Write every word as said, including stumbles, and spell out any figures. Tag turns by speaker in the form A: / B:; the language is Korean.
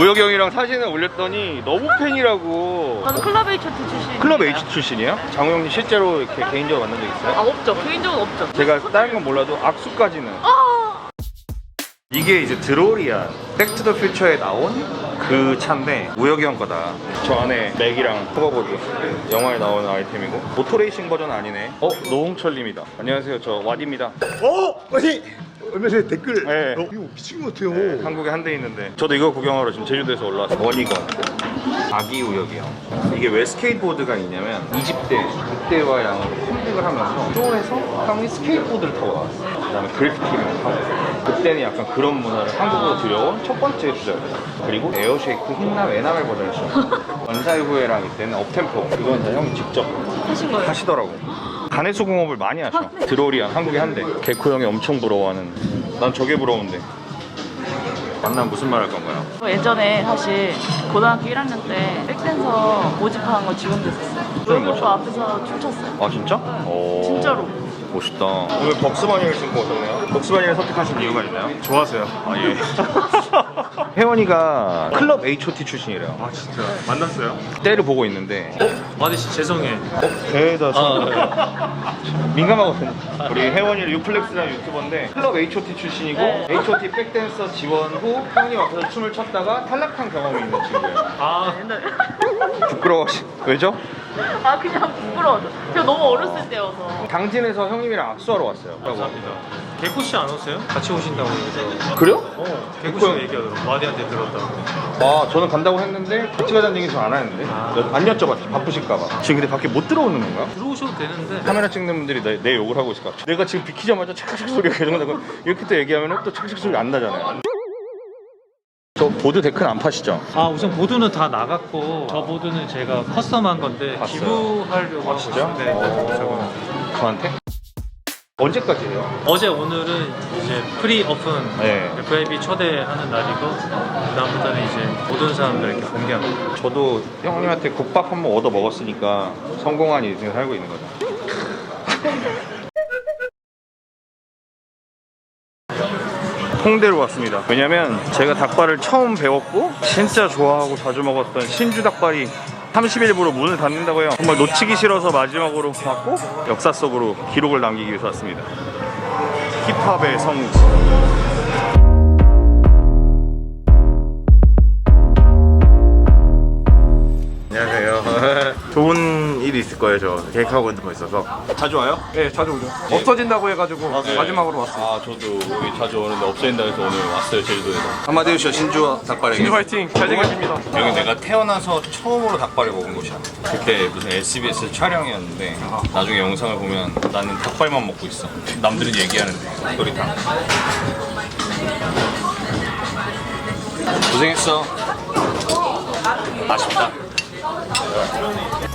A: 우혁이 형이랑 사진을 올렸더니 너무 팬이라고.
B: 저는 클럽 H.O.T 출신.
A: 클럽 H 출신이에요? 장우 형님 실제로 이렇게 개인적으로 만난 적 있어요?
B: 아 없죠. 개인적으로 없죠.
A: 제가 다른 건 몰라도 악수까지는.
B: 아
A: 이게 이제 드로리안 백투 더 퓨처에 나온 그 차인데 우혁이 형 거다. 저 안에 맥이랑 호버보드 영화에 나오는 아이템이고 모토레이싱 버전 아니네. 어? 노홍철님이다. 안녕하세요, 저 왓입니다.
C: 어? 아니 얼마 전에 댓글
A: 네.
C: 어, 이거 미친 것 같아요.
A: 네, 한국에 한 대 있는데 저도 이거 구경하러 지금 제주도에서 올라왔어요. 원이건 아기 우혁이 형. 이게 왜 스케이트보드가 있냐면 이십 대, 육 대와 양으로 컴백을 하면서 쇼에서 형이 스케이트보드를 타고 나왔어요. 그 다음에 그래피티를 타고. 그때는 약간 그런 문화를 한국으로 들여온 첫 번째 주자였어요. 그리고 에어쉐이크 흰남 에나멜 버전을 써. 원사이 후에랑 이때는 업템포. 이건 다 형이 직접
B: 하신 거예요?
A: 하시더라고. 가내수 공업을 많이 하셔. 드로리안 한국에 한 대. 개코 형이 엄청 부러워하는. 난 저게 부러운데. 만나면 무슨 말 할 건가요?
B: 예전에 사실 고등학교 일 학년 때 백댄서 모집하는 거 지원됐었어요.
A: 춤을
B: 우혁이
A: 못
B: 오빠 앞에서 춤췄어요.
A: 아 진짜? 오.
B: 진짜로.
A: 멋있다. 오늘 벅스바니를 신고 오셨네요. 벅스바니를 선택하신 이유가 있나요?
C: 좋아서요.
A: 아 예. 혜원이가 클럽 에이치 오 티 출신이래요.
C: 아 진짜 만났어요?
A: 때를 보고 있는데
D: 마디 씨 죄송해.
A: 대다 민감하거든요. 우리 혜원이를 유플렉스라는 유튜버인데 클럽 에이치 오 티 출신이고
B: 네.
A: 에이치 오 티 백댄서 지원 후 형님 앞에서 춤을 췄다가 탈락한 경험이 있는 친구예요.
D: 아
B: 옛날에.
A: 부끄러워. 왜죠?
B: 아 그냥 부끄러워서. 제가 너무 어렸을 때여서.
A: 당진에서 형님이랑 악수하러 왔어요.
D: 감사합니다. 개코 씨 안 오세요? 같이 오신다고 해서.
A: 그래요?
D: 어 개코
A: 개코
D: 씨가
A: 형.
D: 얘기하더라고. 마디한테 들었다고.
A: 아 저는 간다고 했는데 같이 가자는 얘기 전 안 하는데
D: 아.
A: 여- 안 여쭤봤지. 바쁘실까봐. 지금 근데 밖에 못 들어오는 건가?
D: 들어오셔도 되는데.
A: 카메라 찍는 분들이 내, 내 욕을 하고 있을 것 같아. 내가 지금 비키자마자 착착 소리가 계속 나고 이렇게 또 얘기하면 또 착착 소리가 안 나잖아요. 저 보드 데크는 안 파시죠?
D: 아 우선 보드는 다 나갔고 저 보드는 제가 커스텀한 건데
A: 봤어요.
D: 기부하려고
A: 아,
D: 하고
A: 진짜?
D: 있는데
A: 어.
D: 저거는.
A: 저한테? 언제까지 해요?
D: 어제 오늘은 이제 프리 오픈
A: 네.
D: 브이아이피 초대하는 날이고 그 다음부터는 이제 모든 사람들 이렇게 공개합니다.
A: 저도 형님한테 국밥 한 번 얻어 먹었으니까 성공한 인생을 살고 있는 거죠. 홍대로 왔습니다. 왜냐면 제가 닭발을 처음 배웠고 진짜 좋아하고 자주 먹었던 신주 닭발이 삼십 일부로 문을 닫는다고 해요. 정말 놓치기 싫어서 마지막으로 왔고 역사 속으로 기록을 남기기 위해서 왔습니다. 힙합의 성지.
C: 안녕하세요. 좋은 일이 있을 거예요. 저 계획하고 있는 거 있어서.
A: 자주 와요?
C: 네, 자주 오죠. 없어진다고 해가지고 마지막으로 왔어요.
A: 아 저도 여기 자주 오는데 없어진다 해서 오늘 왔어요, 제주도에서.
C: 한마디 해주시죠. 신주 닭발에게. 신주 화이팅. 잘생겼습니다.
A: 여기 내가 태어나서 처음으로 닭발을 먹은 곳이야. 그때 무슨 에스비에스 촬영이었는데 나중에 영상을 보면 나는 닭발만 먹고 있어. 남들은 얘기하는데 도리탕. 고생했어. 아쉽다.